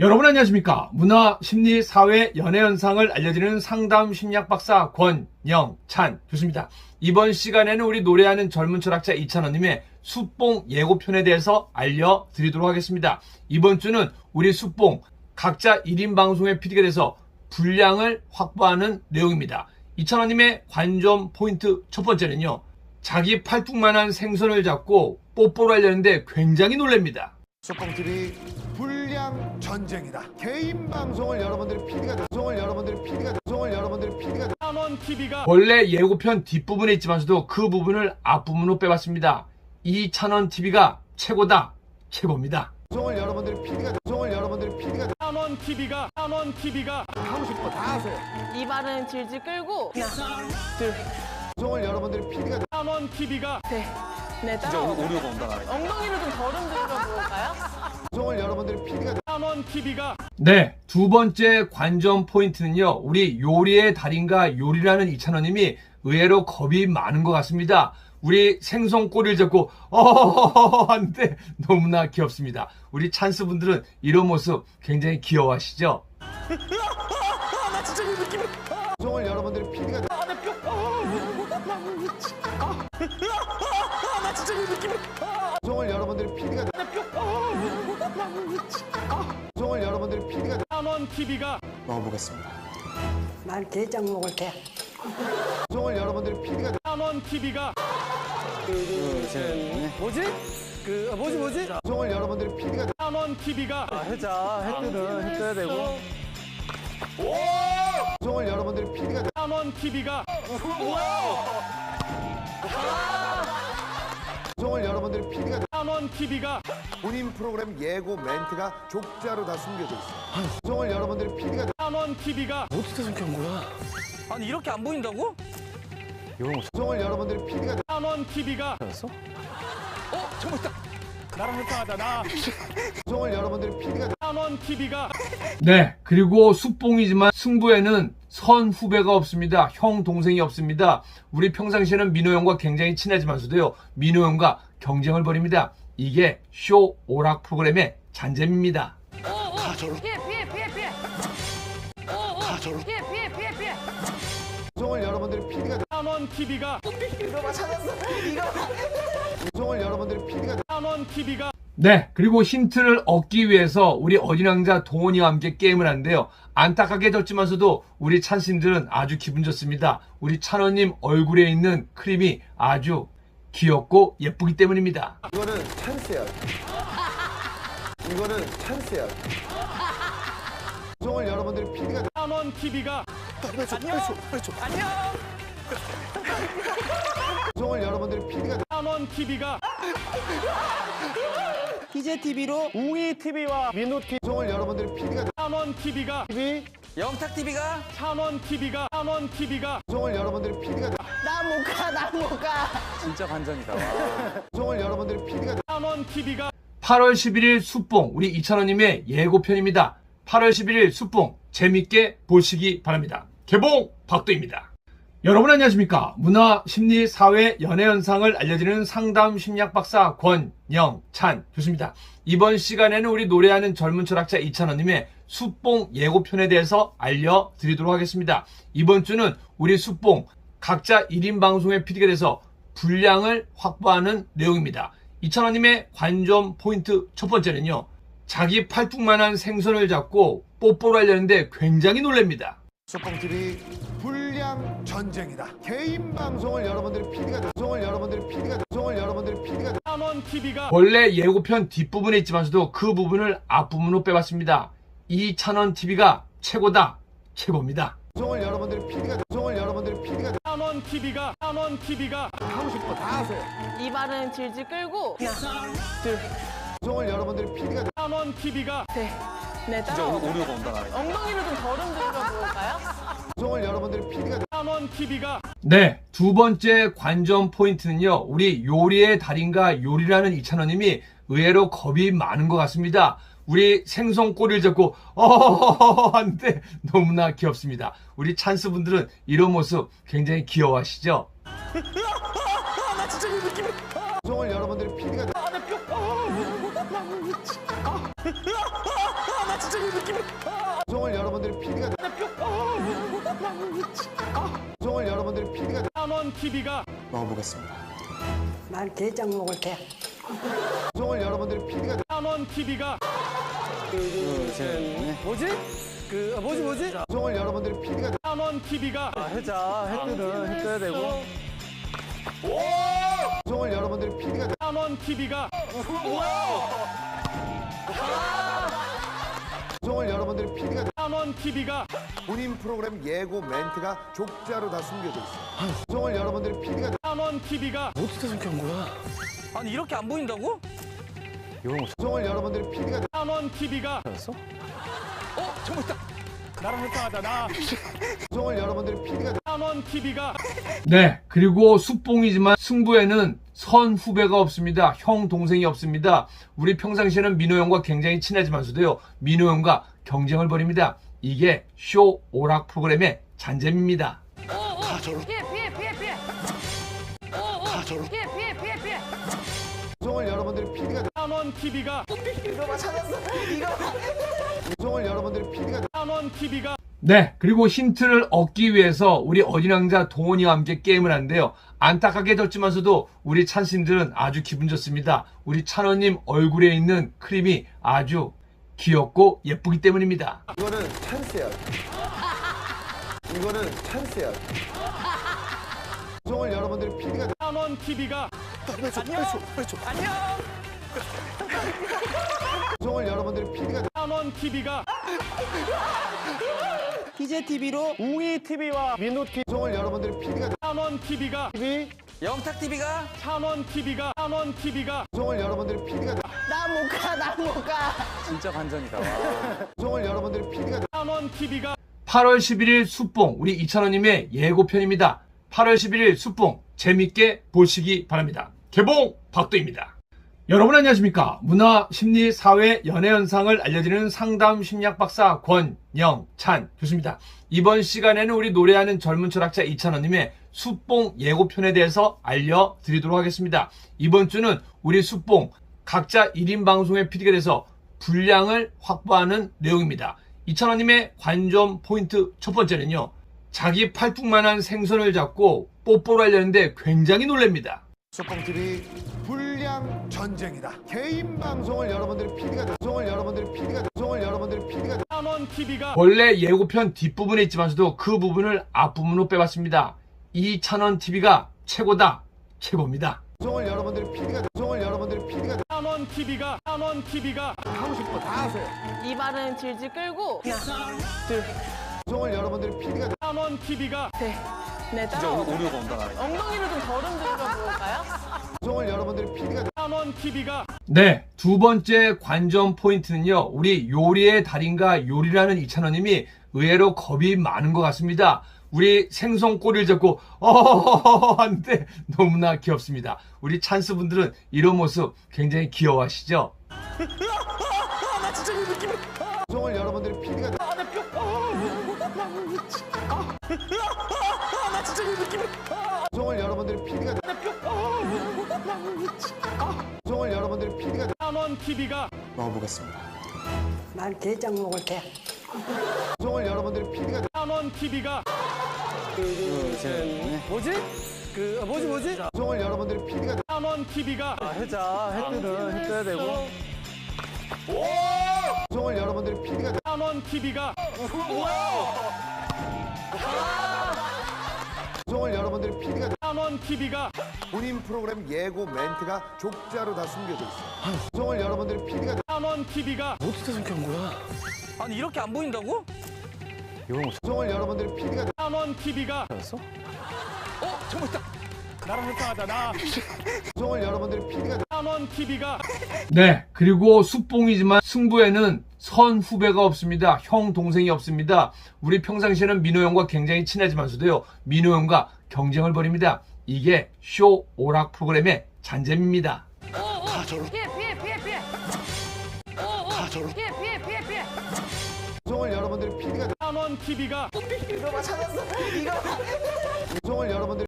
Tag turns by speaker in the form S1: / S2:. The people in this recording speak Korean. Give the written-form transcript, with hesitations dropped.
S1: 여러분 안녕하십니까? 문화, 심리, 사회, 연애 현상을 알려드리는 상담 심리학 박사 권영찬 교수입니다. 이번 시간에는 우리 노래하는 젊은 철학자 이찬원님의 숫봉 예고편에 대해서 알려드리도록 하겠습니다. 이번 주는 우리 숫봉 각자 1인 방송의 PD가 돼서 분량을 확보하는 내용입니다. 이찬원님의 관점 포인트 첫 번째는요. 자기 팔뚝만한 생선을 잡고 뽀뽀를 하려는데 굉장히 놀랍니다.
S2: 숫봉TV 불량 전쟁이다. 개인 방송을 여러분들이 PD가 찬원TV가
S1: 원래 예고편 뒷부분에 있지만서도 그 부분을 앞부분으로 빼봤습니다. 이 찬원TV가 최고다, 최고입니다.
S2: 방송을 여러분들이 PD가 찬원TV가 하고 싶은 거 다 하세요.
S3: 이발은 질질 끌고 하나, 둘,
S2: 방송을 여러분들이 PD가
S3: 찬원TV가 셋, 넷, 다섯.
S4: 오류가 온다.
S3: 엉덩이로 좀 걸음 들어볼까요?
S2: 방송을 여러분들이 PD가
S3: 찬원TV가
S1: 네, 두 번째 관전 포인트는요. 우리 요리의 달인과 요리라는 이찬원님이 의외로 겁이 많은 것 같습니다. 우리 생선 꼬리를 잡고 하는데 너무나 귀엽습니다. 우리 찬스 분들은 이런 모습 굉장히 귀여워하시죠?
S2: 방송을 여러분들이 PD가 방송을 여러분들이 PD가 방송을 여러분들이 PD가
S3: 찬원TV가
S4: 먹어보겠습니다.
S5: 난 게장 먹을 때.
S2: 방송을 여러분들이 PD가
S3: 찬원TV가
S4: 뭐지? 뭐지?
S2: 방송을 여러분들이 PD가
S3: 찬원TV가
S4: 해자, 해 떠야 되고.
S2: 방송을 여러분들이 PD가
S3: 찬원TV가
S2: 방송을 여러분들이 PD가
S3: 찬원TV가
S2: 본인 프로그램 예고 멘트가 족자로 다 숨겨져 있어요. 방송을 여러분들이 PD가
S3: 찬원TV가
S4: 어떻게 숨겨온 거야? 아니 이렇게 안 보인다고? 이런 거
S2: 방송을 여러분들이 PD가
S3: 찬원TV가
S4: 찾았어? 정말 있다. 나랑 회사하자 나.
S2: 방송을 여러분들이 PD가
S3: 찬원TV가
S1: 네, 그리고 숫봉이지만 승부에는 선 후배가 없습니다. 형, 동생이 없습니다. 우리 평상시에는 민호 형과 굉장히 친하지만서도요. 민호 형과 경쟁을 벌입니다. 이게 쇼 오락 프로그램의 잔재입니다.
S3: 피해 피해
S2: 방송을 여러분들이 PD가
S3: 찬원TV가
S2: 방송을 여러분들이 PD가
S3: 찬원TV가
S1: 네, 그리고 힌트를 얻기 위해서 우리 어린 왕자 동원이와 함께 게임을 하는데요. 안타깝게 졌지만서도 우리 찬스님들은 아주 기분 좋습니다. 우리 찬원님 얼굴에 있는 크림이 아주 귀엽고 예쁘기 때문입니다.
S2: 이거는 찬스야. 이거는 찬스야. 방송을 여러분들이 PD가
S3: 찬원TV가
S2: 방송을 여러분들이 PD가
S3: 찬원TV가
S4: 희재TV로 웅이TV와 민호TV.
S2: 방송을 여러분들이 PD가
S3: 찬원TV가
S4: 영탁TV가
S3: 찬원TV가
S2: 방송을 여러분들이 PD가
S3: 나 못 가
S4: 진짜 반전이다.
S2: 방송을 여러분들이 PD가
S3: 찬원TV가
S1: 8월 11일 숫봉 우리 이찬원님의 예고편입니다. 8월 11일 숫봉 재밌게 보시기 바랍니다. 개봉 박도입니다. 여러분 안녕하십니까? 문화, 심리, 사회, 연애 현상을 알려드리는 상담 심리학 박사 권영찬 교수입니다. 이번 시간에는 우리 노래하는 젊은 철학자 이찬원님의 숫봉 예고편에 대해서 알려드리도록 하겠습니다. 이번 주는 우리 숫봉 각자 1인 방송의 PD가 돼서 분량을 확보하는 내용입니다. 이찬원님의 관점 포인트 첫 번째는요. 자기 팔뚝만한 생선을 잡고 뽀뽀를 하려는데 굉장히 놀랍니다.
S2: 숫봉TV 불량 전쟁이다. 개인 방송을 여러분들이 PD가
S3: 찬원TV가
S1: 원래 예고편 뒷부분에 있지만서도 그 부분을 앞부분으로 빼봤습니다. 이 찬원TV가 최고다, 최고입니다.
S2: 방송을 여러분들이 PD가
S3: 찬원TV가
S2: 하고 싶은 거 다 하세요.
S3: 이발은 질질 끌고 하나, 둘,
S2: 방송을 여러분들이 PD가
S3: 찬원TV가 셋, 넷, 다섯.
S4: 오류가 온다.
S3: 엉덩이로 좀 걸음 들어볼까요?
S2: 방송을 여러분들이 PD가
S3: 찬원TV가
S1: 네, 두 번째 관전 포인트는요. 우리 요리의 달인과 요리라는 이찬원님이 의외로 겁이 많은 것 같습니다. 우리 생선 꼬리를 잡고 하는데 너무나 귀엽습니다. 우리 찬스 분들은 이런 모습 굉장히 귀여워하시죠?
S2: 방송을 여러분들이 PD가 방송을 여러분들이 PD가 방송을 여러분들이 PD가
S3: 찬원 TV가
S4: 먹어보겠습니다.
S5: 난 게장 먹을 때.
S2: 방송을 여러분들이 PD가
S3: 찬원 TV가
S4: 뭐지? 뭐지?
S2: 방송을 여러분들이 PD가
S3: 찬원 TV가
S4: 해자, 해 떠야 되고.
S2: 방송을 여러분들이 PD가
S3: 찬원 TV가
S2: 방송을 여러분들이 PD가
S3: 찬원 TV가
S2: 본인 프로그램 예고 멘트가 족자로 다 숨겨져 있어요. 방송을 여러분들이 PD가
S3: 찬원 TV가
S4: 어떻게 생각한 거야? 아니 이렇게 안 보인다고? 이걸 못
S2: 방송을 여러분들이 PD가
S3: 찬원 TV가
S4: 찾았어? 정말 있다. 나랑 헷갈하다 나.
S2: 방송을 여러분들이 PD가
S3: 찬원 TV가
S1: 네, 그리고 숙봉이지만 승부에는 선 후배가 없습니다. 형, 동생이 없습니다. 우리 평상시에는 민호 형과 굉장히 친하지만서도요, 민호 형과 경쟁을 벌입니다. 이게 쇼 오락 프로그램의 잔재입니다.
S2: 방송을 여러분들이 PD가
S3: 찬원 TV가
S2: 방송을 여러분들이 PD가
S3: 찬원 TV가
S1: 네, 그리고 힌트를 얻기 위해서 우리 어린 왕자 동원이와 함께 게임을 하는데요. 안타깝게 졌지만서도 우리 찬스님들은 아주 기분 좋습니다. 우리 찬원님 얼굴에 있는 크림이 아주 귀엽고 예쁘기 때문입니다.
S2: 이거는 찬스야. 이거는 찬스야. 방송을 여러분들이 PD가
S3: 찬원 TV가
S2: 방송을 여러분들이 PD가
S3: 찬원 TV가
S4: 희재 TV로 웅이 TV와 민호 TV,
S2: 방송을 여러분들이 PD가
S3: 찬원 TV가
S4: 영탁 TV가
S3: 찬원 TV가 찬원 TV가
S2: 방송을 여러분들이 PD가
S4: 진짜 반전이다.
S2: 방송을 여러분들이 PD가
S3: 찬원 TV가
S1: 8월 11일 숙봉, 우리 이찬원님의 예고편입니다. 8월 11일 숙봉, 재밌게 보시기 바랍니다. 개봉 박도입니다. 여러분 안녕하십니까? 문화, 심리, 사회, 연애 현상을 알려드리는 상담 심리학 박사 권영찬 교수입니다. 이번 시간에는 우리 노래하는 젊은 철학자 이찬원님의 숙봉 예고편에 대해서 알려드리도록 하겠습니다. 이번 주는 우리 숙봉 각자 1인 방송의 PD가 돼서 분량을 확보하는 내용입니다. 이찬원님의 관전 포인트 첫 번째는요, 자기 팔뚝만한 생선을 잡고 뽀뽀를 하려는데 굉장히 놀랍니다.
S2: 소뽕TV 불량 전쟁이다. 개인 방송을 여러분들이 PD가 방송을 여러분들이 PD가 방송을 여러분들이 PD가
S3: 찬원 TV가
S1: 원래 예고편 뒷부분에 있지만서도 그 부분을 앞부분으로 빼봤습니다. 이찬원 TV가 최고다, 최고입니다.
S2: 방송을 여러분들이 PD가 방송을 여러분들이 PD가
S3: 찬원 TV가 찬원 TV가
S2: 하고 싶은 거 다 하세요.
S3: 이발은 질질 끌고 하나 둘
S2: 방송을 여러분들이 PD가
S3: 찬원 TV가 셋넷 다섯
S4: 오류가 온다.
S3: 엉덩이를 좀 덜 흔들어 볼까요?
S2: 방송을 여러분들이 PD가
S3: 찬원 TV가
S1: 네, 두 번째 관전 포인트는요, 우리 요리의 달인과 요리라는 이찬원님이 의외로 겁이 많은 것 같습니다. 우리 생선 꼬리를 잡고 하는데 너무나 귀엽습니다. 우리 찬스분들은 이런 모습 굉장히 귀여워하시죠?
S2: 방송을 여러분들이 PD가 방송을 여러분들이 PD가 방송을 여러분들이 PD가
S3: 찬원 TV가
S4: 먹어보겠습니다.
S5: 난 게장 먹을 때.
S2: 방송을 여러분들이 PD가
S3: 찬원 TV가
S4: 뭐지? 뭐지?
S2: 방송을 여러분들이 PD가
S3: 찬원 TV가
S4: 해자, 해 떠야 되고.
S2: 방송을 여러분들이 PD가
S3: 찬원 TV가
S2: 방송을 여러분들이 PD가
S3: 찬원 TV가
S2: 본인 프로그램 예고 멘트가 족자로 다 숨겨져 있어요. 방송을 여러분들이 PD가
S3: 찬원 TV가
S4: 어떻게 생각한 거야? 아니 이렇게 안 보인다고? 이걸 못
S2: 방송을 여러분들이 PD가
S3: 찬원 TV가
S4: 찾았어? 정말 있다. 나랑 헷갈하다 나.
S2: 방송을 여러분들이 PD가
S3: 찬원 TV가
S1: 네, 그리고 숙봉이지만 승부에는 선 후배가 없습니다. 형, 동생이 없습니다. 우리 평상시에는 민호 형과 굉장히 친하지만서도요, 민호 형과 경쟁을 벌입니다. 이게 쇼 오락 프로그램의 잔재입니다.
S3: 피해
S2: 방송을 여러분들이 PD가
S3: 찬원 TV가
S2: 방송을 여러분들이